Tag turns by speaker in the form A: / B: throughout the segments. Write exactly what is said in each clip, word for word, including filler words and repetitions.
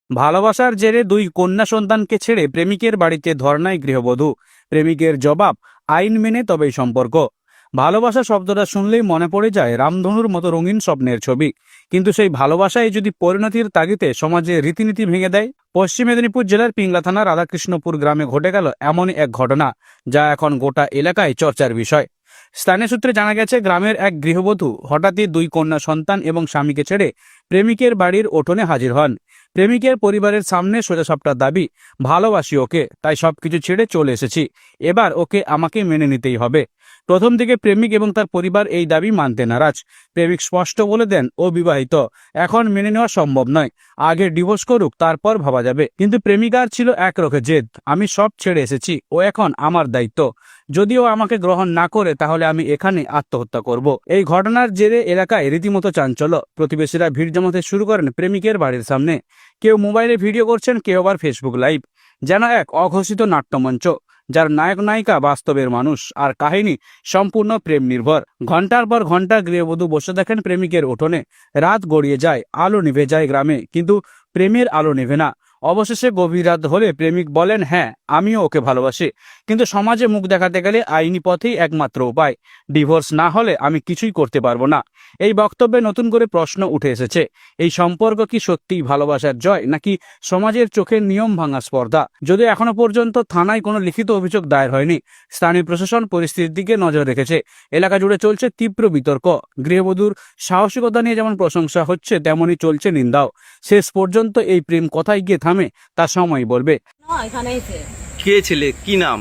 A: ভালোবাসার জেরে দুই কন্যা সন্তানকে ছেড়ে প্রেমিকের বাড়িতে ধর্নায় গৃহবধূ। প্রেমিকের জবাব, আইন মেনে তবেই সম্পর্ক। ভালোবাসা শব্দটা শুনলেই মনে পড়ে যায় রামধনুর মতো রঙিন স্বপ্নের ছবি। কিন্তু সেই ভালোবাসায় যদি পরিণতির তাগিদে সমাজে রীতিনীতি ভেঙে দেয়। পশ্চিম মেদিনীপুর জেলার পিংলা থানার রাধাকৃষ্ণপুর গ্রামে ঘটে গেল এমনই এক ঘটনা, যা এখন গোটা এলাকায় চর্চার বিষয়। স্থানীয় সূত্রে জানা গেছে, গ্রামের এক গৃহবধূ হঠাৎই দুই কন্যা সন্তান এবং স্বামীকে ছেড়ে প্রেমিকের বাড়ির উঠোনে হাজির হন। প্রেমিকের পরিবারের সামনে সোজাসাপটা দাবি, ভালোবাসি ওকে, তাই সবকিছু ছেড়ে চলে এসেছি, এবার ওকে আমাকে মেনে নিতেই হবে। প্রথম দিকে প্রেমিক এবং তার পরিবার এই দাবি মানতে নারাজ। প্রেমিক স্পষ্ট বলে দেন, ও বিবাহিত, এখন মেনে নেওয়া সম্ভব নয়, আগে ডিভোর্স করুক, তারপর ভাবা যাবে। কিন্তু প্রেমিকার ছিল একরকম জেদ, আমি সব ছেড়ে এসেছি, ও এখন আমার দায়িত্ব, যদিও আমাকে গ্রহণ না করে তাহলে আমি এখানে আত্মহত্যা করব। এই ঘটনার জেরে এলাকায় রীতিমতো চাঞ্চল্য। প্রতিবেশীরা ভিড় জমাতে শুরু করেন প্রেমিকের বাড়ির সামনে। কেউ মোবাইলে ভিডিও করছেন, কেউ আবার ফেসবুক লাইভ, যেন এক অঘোষিত নাট্যমঞ্চ, যার নায়ক নায়িকা বাস্তবের মানুষ আর কাহিনী সম্পূর্ণ প্রেম নির্ভর। ঘন্টার পর ঘন্টা গৃহবধূ বসে দেখেন প্রেমিকের উঠোনে। রাত গড়িয়ে যায়, আলো নিভে যায় গ্রামে, কিন্তু প্রেমের আলো নেভে না। অবশেষে গভীর রাত হলে প্রেমিক বলেন, হ্যাঁ আমিও ওকে ভালোবাসি, কিন্তু সমাজে মুখ দেখাতে গেলে আইনি পথেই একমাত্র উপায়, ডিভোর্স না হলে আমি কিছুই করতে পারবো না। এই বক্তব্যে নতুন করে প্রশ্ন উঠে এসেছে, এই সম্পর্ক কি সত্যিই ভালোবাসার জয়, নাকি সমাজের চোখের নিয়ম ভাঙা স্পর্ধা? যদিও এখনো পর্যন্ত থানায় কোনো লিখিত অভিযোগ দায়ের হয়নি, স্থানীয় প্রশাসন পরিস্থিতির দিকে নজর রেখেছে। এলাকা জুড়ে চলছে তীব্র বিতর্ক। গৃহবধূর সাহসিকতা নিয়ে যেমন প্রশংসা হচ্ছে, তেমনই চলছে নিন্দাও। শেষ পর্যন্ত এই প্রেম কোথায় গিয়ে থামে তা সময় বলবে।
B: কে ছেলে, কি নাম,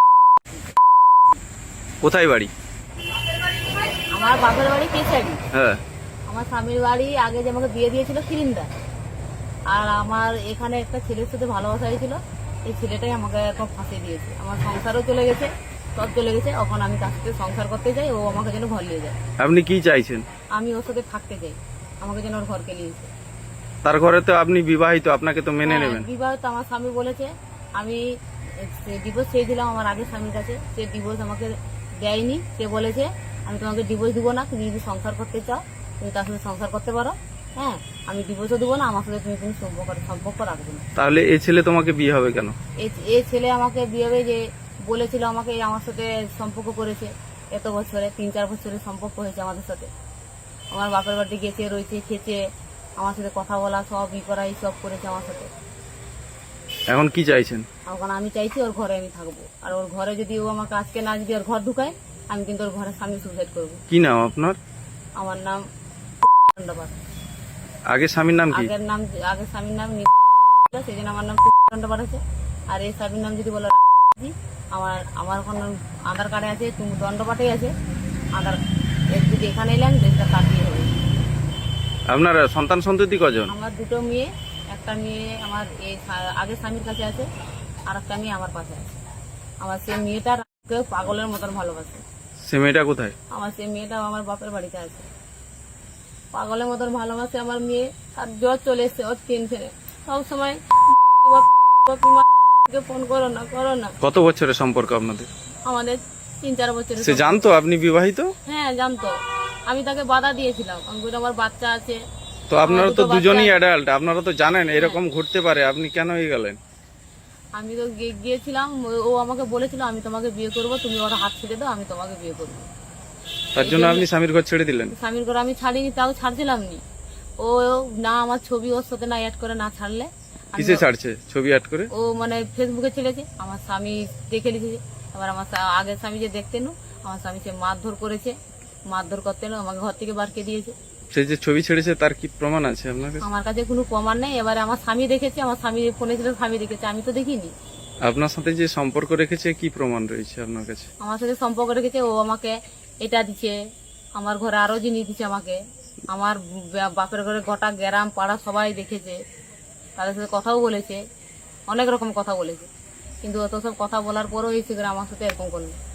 B: কোথায় বাড়ি?
C: আমার বাপের বাড়ি কেশারি।
B: হ্যাঁ।
C: আমার স্বামীর বাড়ি আগে যে আমাকে বিয়ে দিয়েছিল কিরিন্দা। আর আমার এখানে একটা ছেলের সাথে ভালোবাসা হয়েছিল, এই ছেলেটাই আমাকে এখন ফাঁসিয়ে দিয়েছে। আমার সংসারও চলে গেছে, সব চলে গেছে। এখন আমি তার সাথে সংসার করতে যাই, ও আমাকে যেন ঘর নিয়ে যায়।
B: আপনি কি চাইছেন?
C: আমি ওর সাথে থাকতে চাই, আমাকে যেন ওর ঘরকে নিয়েছে।
B: তার ঘরে তো আপনি বিবাহিত, আপনাকে তো মেনে
C: হ্যাঁ,
B: নেবেন।
C: বিবাহিত। আমার স্বামী বলেছে, আমি ডিভোর্স চেয়েছিলাম আমার আগের স্বামীর কাছে, সে ডিভোর্স আমাকে দেয়নি। সে বলেছে, আমি তোমাকে ডিভোর্স দিব না, তুমি যদি সংসার করতে চাও তুমি তার সাথে সংসার করতে পারো, হ্যাঁ আমি ডিভোর্সও দেবো না, আমার সাথে তুমি তুমি সম্পর্ক সম্পর্ক রাখবে না।
B: তাহলে এই ছেলে তোমাকে বিয়ে হবে কেন?
C: এই ছেলে আমাকে বিয়ে হবে যে বলেছিল, আমাকে আমার সাথে সম্পর্ক করেছে এত বছরে, তিন চার বছরের সম্পর্ক হয়েছে আমাদের সাথে। আমার বাপের বাড়িতে গেছে, রয়েছে, খেয়েছে, আমার সাথে কথা বলা, সব ই করা, এই সব করেছে আমার সাথে।
B: এখন কি চাইছেন? এখন
C: আমি চাইছি ওর ঘরে আমি থাকবো, আর ওর ঘরে যদি ও আমাকে আজকে না যদি ওর ঘর ঢুকায়, আমি কিন্তু ওর ঘরের সামনে সুসাইড করবো।
B: কি নাম আপনার?
C: আমার নাম দণ্ডপাঠ।
B: আগের স্বামীর নাম কি?
C: আগের নাম আগের স্বামীর নাম সেই জন্য আমার নাম দণ্ডপাঠ আছে। আর এই স্বামীর নাম যদি বলো, আমার আমার এখন আধার কার্ডে আছে, তুমি দণ্ডপাঠে আছে আধার। যদি এখানে এলেন দেশটা কাটিয়ে হবে।
B: আপনার সন্তান সন্ততি কজন?
C: আমার দুটো মেয়ে, একটা মেয়ে আমার এই আগের স্বামীর কাছে আছে, আর একটা মেয়ে আমার পাশে আছে। আমার সেই মেয়েটার কেউ পাগলের মতন ভালোবাসে।
B: সে মেয়েটা কোথায়?
C: আমার সেই মেয়েটাও আমার বাপের বাড়িতে আছে, পাগলের মতন ভালোবাসে আমার মেয়ে। আর জ্বর চলে এসছে ওর টেনশনে, সবসময় ফোন করো না করো না।
B: কত বছরের সম্পর্ক আপনাদের?
C: আমাদের তিন চার বছরের।
B: সে জানতো আপনি বিবাহিত?
C: হ্যাঁ জানতো, আমি তাকে বাধা দিয়েছিলাম, আমার বাচ্চা আছে।
B: তো আপনারা তো দুজনই অ্যাডাল্ট, আপনারা তো জানেন এরকম ঘটতে পারে, আপনি কেন এই গেলেন?
C: আমি তো গিয়েছিলাম, ও আমাকে বলেছিল আমি তোমাকে বিয়ে করবো, তুমি ওর হাত ছেড়ে দাও, আমি তোমাকে বিয়ে করবো।
B: তার জন্য আপনি স্বামীর ঘর ছেড়ে দিলেন?
C: স্বামীর ঘর আমি ছাড়িনি, তাও ছাড়ছিলাম নি। ও না আমার ছবি ওর সাথে না অ্যাড করে না ছাড়লে।
B: কিসে ছাড়ছে ছবি অ্যাড করে?
C: ও মানে ফেসবুকে ছেড়েছে, আমার স্বামী দেখে লিখেছে। এবার আমার আগের স্বামী যে দেখতেন, আমার স্বামী সে মারধর করেছে, মারধর করতে আমাকে ঘর থেকে বারকে দিয়েছে।
B: সে যে ছবি ছেড়েছে তার কি প্রমাণ আছে আপনার কাছে?
C: আমার কাছে কোনো প্রমাণ নেই। এবারে আমার স্বামী দেখেছে, আমার স্বামী ফোনে ছিল, স্বামী দেখেছে, আমি তো দেখিনি।
B: আপনার সাথে যে সম্পর্ক রেখেছে কি প্রমাণ রয়েছে আপনার কাছে?
C: আমার সাথে সম্পর্ক রেখেছে, ও আমাকে এটা দিচ্ছে, আমার ঘরে আরো জিনিস দিচ্ছে আমাকে। আমার বাপের ঘরে গোটা গ্রাম পাড়া সবাই দেখেছে, তাদের সাথে কথাও বলেছে, অনেক রকম কথা বলেছে। কিন্তু অত সব কথা বলার পরও এই আমার সাথে এরকম করলো।